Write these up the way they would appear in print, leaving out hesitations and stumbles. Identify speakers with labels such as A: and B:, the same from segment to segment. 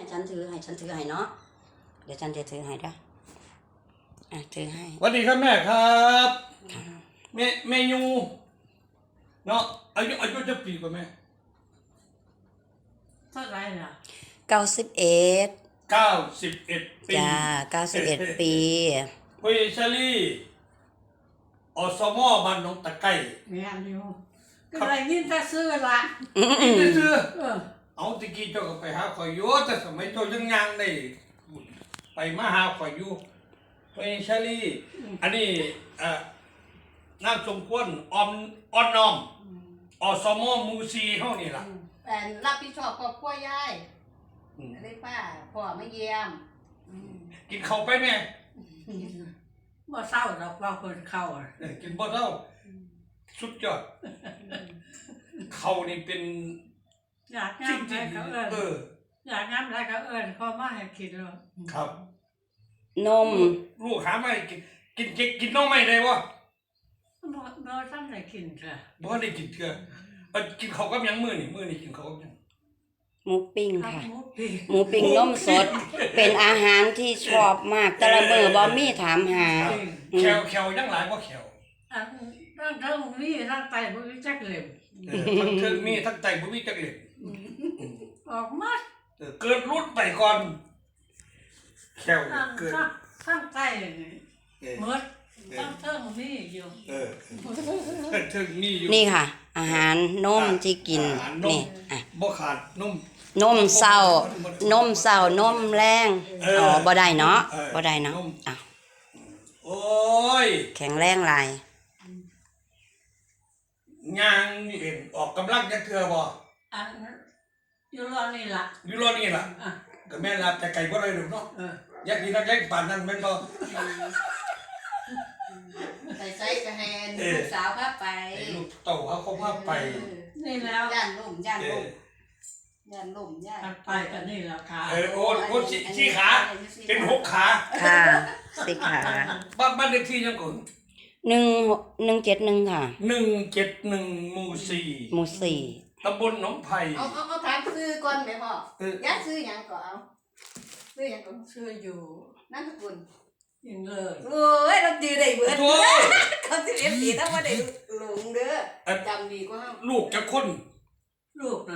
A: ฉันถือให้เนาะเดี๋ยวฉันจะถือให้ด้วยถือให้
B: สวัสดีครับแม่ครับแม่ยูเนาะอายุจะปีกว่าแม่
C: เท่าไรล่ะ
A: 91
B: 91 ปี
A: จ้า91 ปี
B: คุยชาลีอสมบ้านหนองตะไคร้
C: เมียอยู่ก็อะไรนี่ถ้าซื้อละ
B: นี่ซื่อ
C: เออ
B: เอาตะกี้เจ้าก็ไปหาข่อยอยู่แต่สมัยเจ้ายังได้ไปมาหาข่อยอยู่คุยชาลีอันนี้นางสมควรอ่อนน้อมอสมหมู่4เฮานี่ล่ะ
D: แต่รับผิดชอบครอบครัวยายได้ป้าพ่อมาเยี่ยม
B: กินข้าวไปแม่
C: บ่เศร้าดอกว่าคนเข้าอ่ะ
B: กินบ่เท่าสุดยอดเขานี่เป็น
C: อยาก
B: จริ
C: งาง ม
B: จริ
C: ได้
B: ง
C: เขาเอิญ อยากงามได้เขาเอิญเขามาให้คิดเลย
B: ครับ
A: นม
B: ลูกหาไม่กินน้องไม่ได้วะ
C: บ่ท่านได้กินเถอะ
B: บ่ได้กินเถื่อกินเขาวกับหยังมื้อนี่กินเขาวกับหยัง
A: หมูปิ้ง
C: ทำ
A: ค่ะ
C: หมูปี
A: หมูปิ้งนมสด เป็นอาหารที่ชอบมากแต่ละมื้อบ่มีถามหา
B: แขวยังหลายกว่าแขว
C: อันทั้งมีทั้งไตบ่มีจักเล่ม
B: ทั้งเทิงมีทั้งใจบ่มีจักเล็ด
C: ออกมา
B: เกิดรุ่นไปก่อนแขว
C: ทั้ง
B: เกิด
C: ทั้งไตนี่หมดทั้งเทิงมีอยู่
B: เทิงมีอยู่
A: นี่ค่ะ อาหารนมที่กิน
B: อาหารนม
A: นี่
B: บ่ขาดนม
A: นมเช้านมแรงบ่ได้เนาะบ่ได้เนาะ
B: โอ้ย
A: แข็งแรงหลาย
B: ย่างเห็นออกกำลังจักเทื่อบ่
C: อันอยู่รอนี่ล่ะ
B: อยู่รอนี่ล่ะ
C: อ่ะ
B: ก็แม่นล่ะแต่ไก่บ่ได้ดอกเนาะ
C: เออ
B: อยากกินนักเล็กปานนั้นแม่นบ่
D: ใส่ไส้กระแฮนลูกสาวพาไป
B: ไอ้ลูกเต่าเขาพาไป
C: นี่แล้ว
D: ย่านล่มย่านล่มย่านล่มย่าน
C: ถัดไปก็นี่แหละค่ะ
B: โอ้ชี้ขา เป็น6ขา
A: ค่ะสิขา
B: บ้านเลขที่ยังก่อน
A: 171ค่ะ
B: 171หมู่
A: หมู่4
B: 4ตำบลหนองไผ่
D: เอาถามซื้อก่อนไหมพ่อย่าซื้อหยังก็เอาซื้อหยังก็
C: ชื่ออยู่
D: นั่นสกุล
C: ยิงเลย
D: โอ้ยเราจือได้เบิด
B: โถ่
D: เขาสิเรียนสีถ้าว่าได้หลงเด้อจำดีกว่าเฮา
B: ลูกจะคน
C: ลูกนะ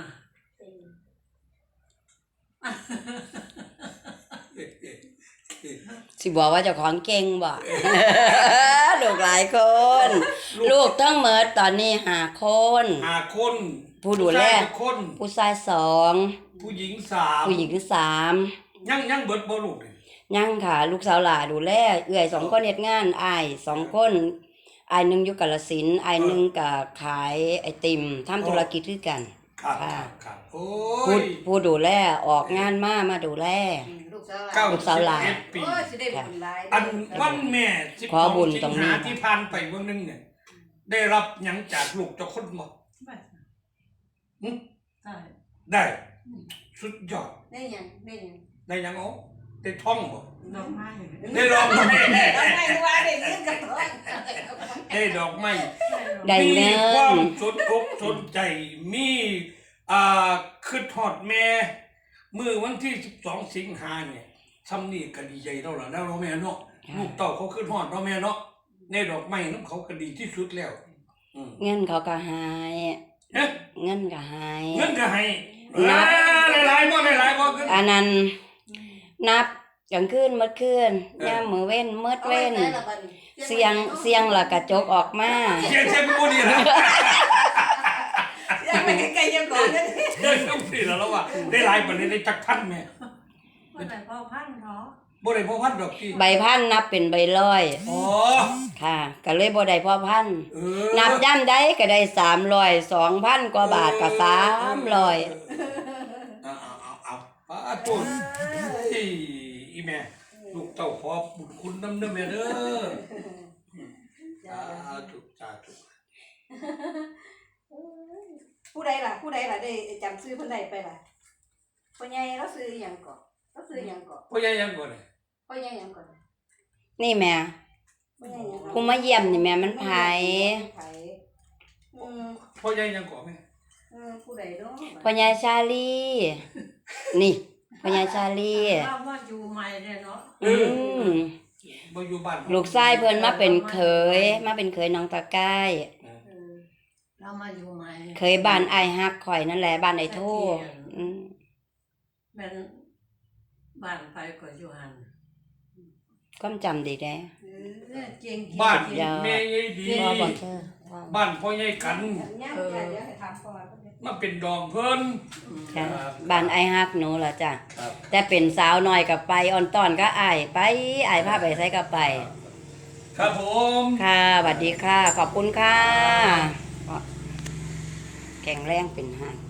A: สิบอกว่าเจ้าของเก่งบ่ ลูกหลายคน ลูกทั้งหมดตอนนี้5คน
B: 5คน
A: ผู้ดูแล
B: คน
A: ผู้ชาย2
B: ผู้หญิง
A: ผู้หญิง
B: 3ยังเบิดบ่ลูกนี่
A: 3ยังค่ะ ลูกสาวหลาดูแลเอื้อย2คนเฮ็ดงานอ้าย2คนอ้ายหนึงอยู่กาฬสินธุ์อ้ายหนึงก็ขายไอติมทำธุรกิจคือกัน
B: ครับโอ้
A: ผู้ดูแลออกงานมาดูแล
D: ลูกสาว
A: ลูกสาวหลาน
B: 91ปี
D: โอ้ยสิได้บุญหลาย
B: อันวันแม่
A: ขอบุญ
B: 12
A: ตร
B: สิ
A: ง
B: ง
A: นี้
B: หาที่ผ่านไปวันนึงเนี่ยได้รับหยังจากลูกเจ้าคนบ่
C: ไม่
B: หึ
C: ใช่
B: ได้สุดยอด
D: ได้หยังได้หยัง
B: ได้หยังอ๋อได้ท่องบ่
C: ดอกไม้
B: ได้ดอกไม้
D: เอาไงว่าได้เงินกับท้อง
B: ได้ดอกไม้
A: ได้เงิ
B: มีความ
A: น
B: สนอกสนใจมีคือทอดแม่มื้อวันที่12สิงหาเนี่ยซ้ำนี่ก็ดีใจแล้วล่ะแล้วแม่เนาะลูกเต้าเขาคือทอดเนาะแม่เนาะในดอกไม้นำเขาก็ดีที่สุดแล้ว
A: เงินเขาก็หาย
B: เอ๊ะ
A: เงินก็หาย
B: เงินก็ให้หลายๆบ่เงิน
A: อันนั้นนับกลางคืนมื้อคืนยามมื้อเว้นมื้อเว้นเสียงแล้วกระจกออกมา
B: เสียงบ่นี่ล่ะ
D: เสียงไปไกลๆยังก่อนเด้อ
B: เดินต้องสิแล้วว่าได้หลายปานนี้ได้จักพันแม่
C: ไม่ได้พ่อพันธุ์เนาะ
B: บ่ได้พอพันดอกที่
A: ใบพันนับเป็นใบร้อย
B: อ๋อ
A: ค่ะก็เลยบ่ได้พอพัน นับย่ำได้ก็ได้300 2,000 กว่าบาทก็300
B: เอาป้าตุนอีแม่ลูกเต้าขอบุญคุณนำเด้อแม่เด้อถูก
D: ผู้ใดล่ะได้จำซื้อเพิ่นได้ไปล่ะพ่อใหญ่เราซื้อหยังก่อนเราซื้อหยังก่อน
B: พ่อใหญ่ยังก่อนเลย
D: พ่อใหญ่หยังก่อน
A: นี่แม่
D: พ่อใหญ่หยัง
A: ผู้มาเยี่ยมนี่แม่มันไผ
B: พ่อใหญ่ยังก่อนแม่
D: ผู้ใดเนาะ
A: พ่อใหญ่ชาลีนี่พ่อใหญ่ชาลี
C: เรามาอยู่ใหม่เลยเนาะ
A: อืม
B: บ่อยู่บ้าน
A: ลูกชายเพิ่นมาเป็นเขยน้องตะกาย
C: เรามาอยู่ใหม่
A: เคยบ้านอ้ายฮักข่อยนั่นแหละบ้านไอ้โทอืม
C: เป็นบ้านไปก็อยู่หัน
A: ความจำดีแด้
C: เก่ง
B: บ้าน
A: เดี๋ยว
B: แม่ยายดี
A: ว่าบ่เธอว่า
B: บ้านพ่อใหญ่กัน
D: ย่างเดี๋ยวให้ถามก่อน
B: มาเป็นดองเพิ่น
A: จ้ะบ้านไอ้ฮักหนูล่ะจ้ะ
B: ครับ
A: แต่เป็นสาวน้อยก็ไปอ่อนตอนก็อ้ายไปอ้ายพาไปไสก็ไป
B: ครับผม
A: ค่ะสวัสดีค่ะ ขอบคุณค่ะแข็งแรงเป็นหัก